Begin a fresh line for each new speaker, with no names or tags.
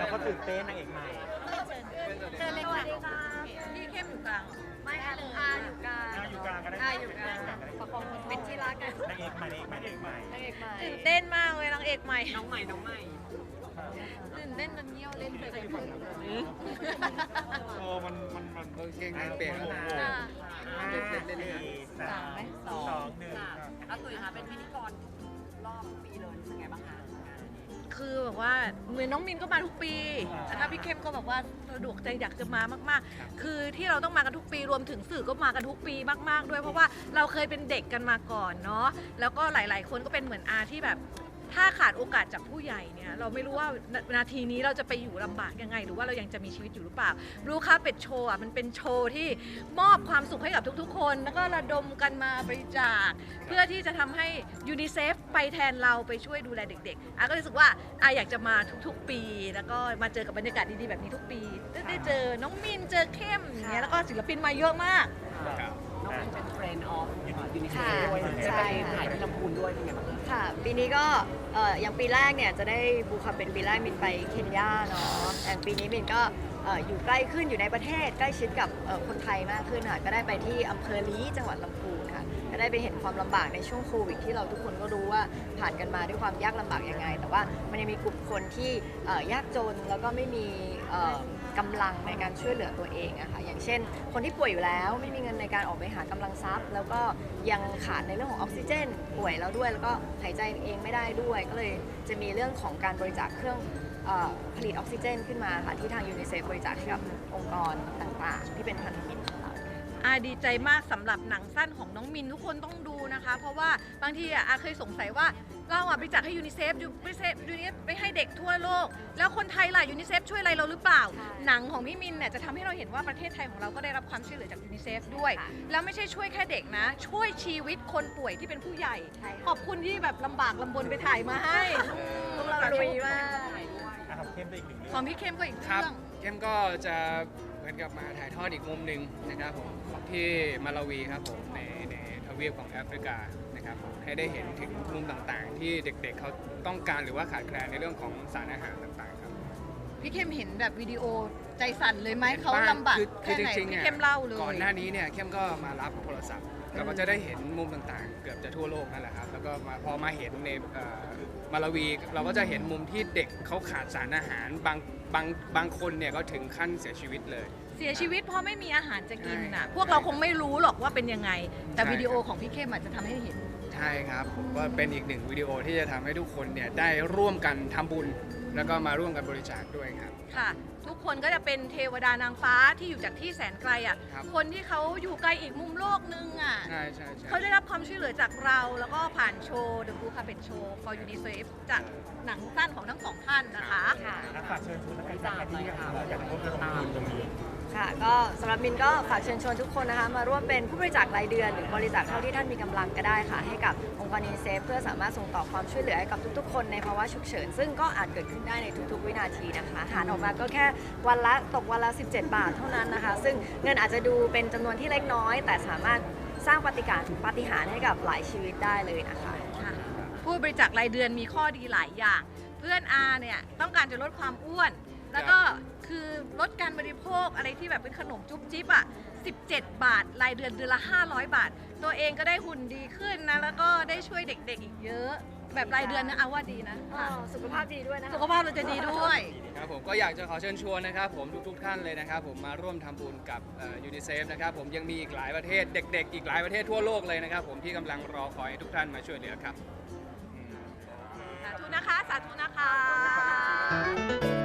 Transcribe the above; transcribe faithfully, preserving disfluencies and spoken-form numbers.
ก็ตื่นเต้นนางเอกใหม่
เชิญเลยค่ะพี่เข้มอยู่กลางไม่อาอาอยู่กลาง
นางอยู่กลางก็ได้
อาอยู่กลางประคองเป็นที่รักกัน
นางเอกใหม่นางเอกใหม่นางเอกใหม่
ตื่นเต้นมากเลยนางเอกใหม่
น้องใหม่น้องใหม่
ตื่นเต้นจนเงี้ยวเล่นเลย
โอ้มันมันมัน
เก่งนางเปลี่ยนแล้วนะ
ห้า
เล่นเล่นเล่น
สี่สามสองหนึ่ง
อาตุ๋ยคะเป็นพิธีกรรอบปีเลยเป็นไงบ้างคะ
คือแบบว่าเหมือนน้องมินก็มาทุกปีแต่ถ้าพี่เข้มก็แบบว่าสะดวกใจอยากจะมามากๆ คือที่เราต้องมากันทุกปีรวมถึงสื่อก็มากันทุกปีมากๆด้วยเพราะว่าเราเคยเป็นเด็กกันมาก่อนเนาะแล้วก็หลายๆ คนก็เป็นเหมือนอาที่แบบถ้าขาดโอกาสจากผู้ใหญ่เนี่ยเราไม่รู้ว่านาทีนี้เราจะไปอยู่ลำบากยังไงหรือว่าเรายังจะมีชีวิตอยู่หรือเปล่ารู้ค่ะเป็ดโชว์อ่ะมันเป็นโชว์ที่มอบความสุขให้กับทุกๆ คนแล้วก็ระดมกันมาบริจาคเพื่อที่จะทำให้ยูนิเซฟไปแทนเราไปช่วยดูแลเด็กๆอาก็รู้สึกว่าอาอยากจะมาทุกๆ ปี แล้วก็มาเจอกับบรรยากาศดีๆแบบนี้ทุกปีได้เจอน้องมินเจอเข้มอย่างเงี้ยแล้วก็ศิลปินมาเยอะมาก
น้องมินเป็นเฟรนด์ออฟยูนิเซ
ค่ะ
ฟด้วยจะ
ใช่
ไป
ค่ะ
ถ่ายที่ลำพูนด้วยเป็นไงบ้างคะ
ค่ะปีนี้ก็เอ่ออย่างปีแรกเนี่ยจะได้บูคาเป็นปีแรกมินไปเคนยาเนาะแต่ปีนี้มินก็เอ่ออยู่ใกล้ขึ้นอยู่ในประเทศใกล้ชิดกับเอ่อคนไทยมากขึ้นค่ะก็ได้ไปที่อำเภอลี้จังหวัดลำพูนค่ะก็ได้ไปเห็นความลำบากในช่วงโควิดที่เราทุกคนก็รู้ว่าผ่านกันมาด้วยความยากลำบากยังไง แต่ว่ามันยังมีกลุ่มคนที่เอ่อยากจนแล้วก็ไม่มีเอ่อกำลังในการช่วยเหลือตัวเองอะค่ะอย่างเช่น คนที่ป่วยอยู่แล้วไม่มีเงินในการออกไปหากำลังทรัพย์ แล้วก็ยังขาดในเรื่องของออกซิเจนป่วยแล้วด้วย แล้วก็หายใจเองไม่ได้ด้วย ก็เลยจะมีเรื่องของการบริจาคเครื่องเออผลิตออกซิเจนขึ้นมาค่ะที่ทางยูนิเซฟบริจาคให้กับองค์กรต่างๆ ที่เป็นพันธมิตรของเรา
อาดีใจมากสำหรับหนังสั้นของน้องมินทุกคนต้องดูนะคะ เพราะว่าบางทีอะอาเคยสงสัยว่าเราอะบริจาคให้ยูนิเซฟยูนิเซฟยูนิเซฟไปให้เด็กทั่วโลก แล้วคนไทยล่ะยูนิเซฟช่วยอะไรเราหรือเปล่า
ใช่
หนังของพี่มินเนี่ยจะทำให้เราเห็นว่าประเทศไทยของเราก็ได้รับความช่วยเหลือจากยูนิเซฟด้วย
ค่ะ
แล้วไม่ใช่ช่วยแค่เด็กนะ ช่วยชีวิตคนป่วยที่เป็นผู้ใหญ่
ใช่ค่ะ
ขอบคุณที่แบบลำบากลำบนไปถ่ายมาให้
พวกเราลุยมาก
อ่ะทำเข้มไปอีกหนึ่งเรื่
ข
อ
อง งพี่เข้มก็อีก
ครับ
เรื่อง
เข้มก็จะเหมือนกับมาถ่ายทอดอีกมุมหนึ่งนะครับผมที่มาลาวีครับผมในในทวีปของแอฟริกานะครับผมให้ได้เห็นถึงมุมต่างๆ ที่เด็กๆเขาต้องการหรือว่าขาดแคลนในเรื่องของสารอาหารต่างๆครับ
พี่เข้มเห็นแบบวิดีโอใจสั่นเลยไหมเขาลำบาก
คือคื
แค่
อจ
ไหน
ริงๆ
พี่
เนี่ย
เข้มเล่าเลย
ก่อนหน้านี้เนี่ยเข้มก็มารับโทรศัพท์เราก็จะได้เห็นมุมต่างๆ เกือบจะทั่วโลกนั่นแหละครับแล้วก็มาพอมาเห็นในเอ่อมาลาวี เราก็จะเห็นมุมที่เด็กเขาขาดสารอาหารบางบางบางคนเนี่ยก็ถึงขั้นเสียชีวิตเลย
เสียชีวิตเพราะไม่มีอาหารจะกินน่ะ
ใช่
พวกเราคงไม่รู้หรอกว่าเป็นยังไง แต่
ใช่
วิดีโอของพี่เข้มอาจจะทำให้เห็น
ใช่ครับผมก็เป็นอีกหนึ่งวิดีโอที่จะทำให้ทุกคนเนี่ยได้ร่วมกันทำบุญ แล้วก็มาร่วมกันบริจาคด้วยครับ
ค่ะ ทุกคนก็จะเป็นเทวดานางฟ้าที่อยู่จากที่แสนไกลอ่ะ
ครับ
คนที่เขาอยู่ไกลอีกมุมโลกนึงอ่ะ
ใช่ใช่ใช่
เขาได้รับความช่วยเหลือจากเรา แล้วก็ผ่านโชว์ The Blue Carpet Show for UNICEF จากหนังสั้นของทั้งสองท่านนะคะ
ค่ะ
อ่ะฝากเชิญชวนนักการจากที่เราอยากร่วมระดมทุนตรงนี้
ค่ะก็สำหรับมินก็ฝากเชิญชวนทุกคนนะคะมาร่วมเป็นผู้บริจาครายเดือน หรือบริจาคเท่าที่ท่านมีกำลังก็ได้ค่ะ ให้กับองค์กรยูนิเซฟเพื่อสามารถส่งต่อความช่วยเหลือให้กับทุกๆ คนในภาวะฉุกเฉินซึ่งก็อาจเกิดขึ้นได้ในทุกๆ วินาทีนะคะหารออกมาก็แค่วันละตกวันละ สิบเจ็ด บาทเท่านั้นนะคะ ซึ่งเงินอาจจะดูเป็นจำนวนที่เล็กน้อย แต่สามารถสร้างปาฏิการย์ปาฏิหาริย์ให้กับหลายชีวิตได้เลยนะคะ
ค่ะผู้บริจาครายเดือนมีข้อดีหลายอย่าง เพื่อนอาเนี่ยต้องการจะลดความอ้วน แล้วก็คือลดการบริโภคอะไรที่แบบเป็นขนมจุ๊บจิ๊บอ่ะสิบเจ็ด บาท รายเดือนเดือนละ ห้าร้อย บาท ตัวเองก็ได้หุ่นดีขึ้นนะ แล้วก็ได้ช่วยเด็กๆอีกเยอะ แบบรายเดือนนะเอาว่าดีนะ
อ๋อสุขภาพดีด้วยนะคะ
สุขภาพเราจะดีด้วย
ครับผมก็อยากจะขอเชิญชวนนะครับผมทุกๆท่านเลยนะครับผมมาร่วมทำบุญกับยูนิเซฟนะครับผมยังมีอีกหลายประเทศเด็กๆ อีกหลายประเทศทั่วโลกเลยนะครับผมที่กำลังรอคอยให้ทุกท่านมาช่วยเหลือครับ
สาธุนะคะ สาธุนะคะ